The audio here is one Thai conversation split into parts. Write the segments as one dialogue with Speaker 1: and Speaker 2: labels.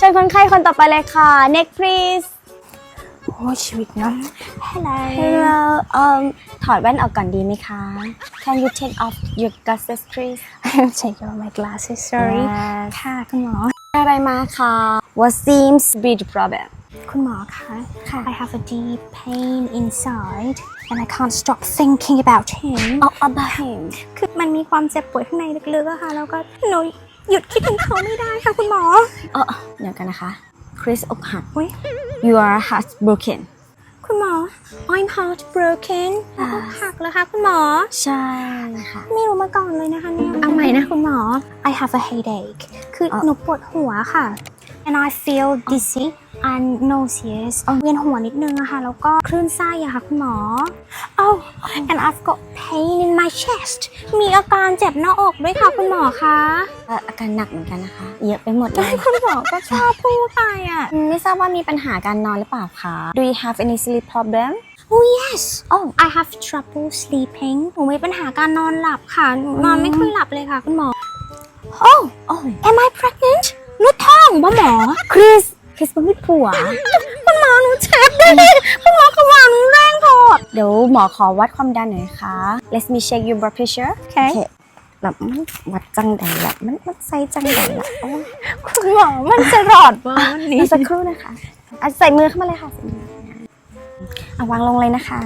Speaker 1: ชิญคนไข้คนต่อไปเลยค่ะ next please
Speaker 2: โอ้ชีวิตน้อง
Speaker 1: Hello ถอดแว่นออกก่อนดีไหมคะ Can you take off your glasses please
Speaker 2: Take off my glasses sorry
Speaker 1: Yes
Speaker 2: ค่ะคุณหมอ
Speaker 1: อะไรมาคะ What seems to be the problem
Speaker 2: คุณหมอคะ
Speaker 1: ค่ะ
Speaker 2: I have a deep pain inside and I can't stop thinking about him
Speaker 1: about him
Speaker 2: คือมันมีความเจ็บปวดข้างในลึกๆอะค่ะแล้วก็หนูหยุดคิดถึงเขาไม่ได้ค่ะคุณหมอ
Speaker 1: เดี๋ยวกันนะคะ Chris อกหัก
Speaker 2: อุ๊ย
Speaker 1: You are heartbroken
Speaker 2: คุณหมอ I'm heartbroken อกหักแล้วค่ะคุณหมอ
Speaker 1: ใช่ค่ะ
Speaker 2: ไม่รู้มาก่อนเลยนะคะเนี่ยเอาใหม่นะคุณหมอ I have a headache คือหนูปวดหัวค่ะ and I feel dizzy and nauseous เวียนหัวนิดนึงอะค่ะแล้วก็คลื่นไส้อะค่ะคุณหมอ Oh and I've got pain in my chest มีอาการเจ็บหน้าอกด้วยค่ะคุณหมอคะ
Speaker 1: อาการหนักเหมือนกันนะคะ เยอะไปหมดเลย
Speaker 2: คุณหมอก็ชอบพูดไปอะ
Speaker 1: ไม่ทราบว่ามีปัญหาการนอนหรือเปล่าคะ Do you have any sleep problem
Speaker 2: Oh yes Oh I have trouble sleeping หนูมีปัญหาการนอนหลับค่ะหนูนอนไม่ค่อยหลับเลยค่ะคุณหมอ Oh Am I pregnant หนูท้องบ่หมอ
Speaker 1: Chris มันไม่ผัว
Speaker 2: คุณหมอหนูเจ็บดิคุณหมอเขาวางหนูแรงพอ
Speaker 1: เดี๋ยวหมอขอวัดความดันหน่อยนะคะ Let me check your blood pressure
Speaker 2: โอเค
Speaker 1: แบบมันวัดจังใดละมันใส่จังใดละโอ้ย
Speaker 2: คุณหมอมันจะรอดมาวันนี้
Speaker 1: สักครู่นะคะใส่มือเข้ามาเลยค่ะใส่มือวางลงเลยนะคะ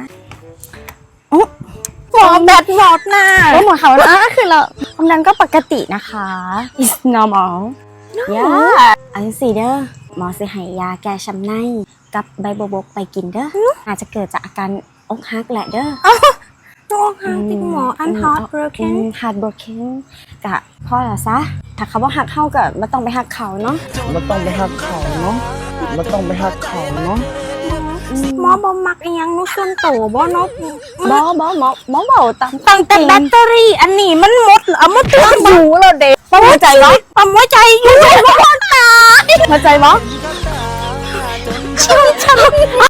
Speaker 2: หมอแบตหมดน่ะ
Speaker 1: หมอเขาคือเราความดันก็ปกตินะคะ It's normal yeah อันสี่เด้อหมอสิให้ยาแก้ช้ำในกับใบบัวบกไปกินเด้ออาจจะเกิดจากอาการอกหักแหละเด้อ
Speaker 2: โอ้ค่ะพี่หมอ I'm heartbroken
Speaker 1: heartbroken กะพ่อละซะถ้าเขาว่าหักเข้ากับไม่ต้องไปหักเขาเนาะ
Speaker 3: มันต้องไปหักเขาเนาะ
Speaker 2: หมอบ่มักอีหยังหนูส่วนโตบ่เนาะ
Speaker 1: บอเบาตาม
Speaker 2: ตั้งแต่แบตเตอรี่อันนี้มันหมดเอามาตัว
Speaker 1: อยู่แล้วเด็กเข้าใจเหรอ
Speaker 2: ปั๊มหัวใจอยู่บ่ตาย
Speaker 1: เข้าใจมั้ย
Speaker 2: ชีวิตฉัน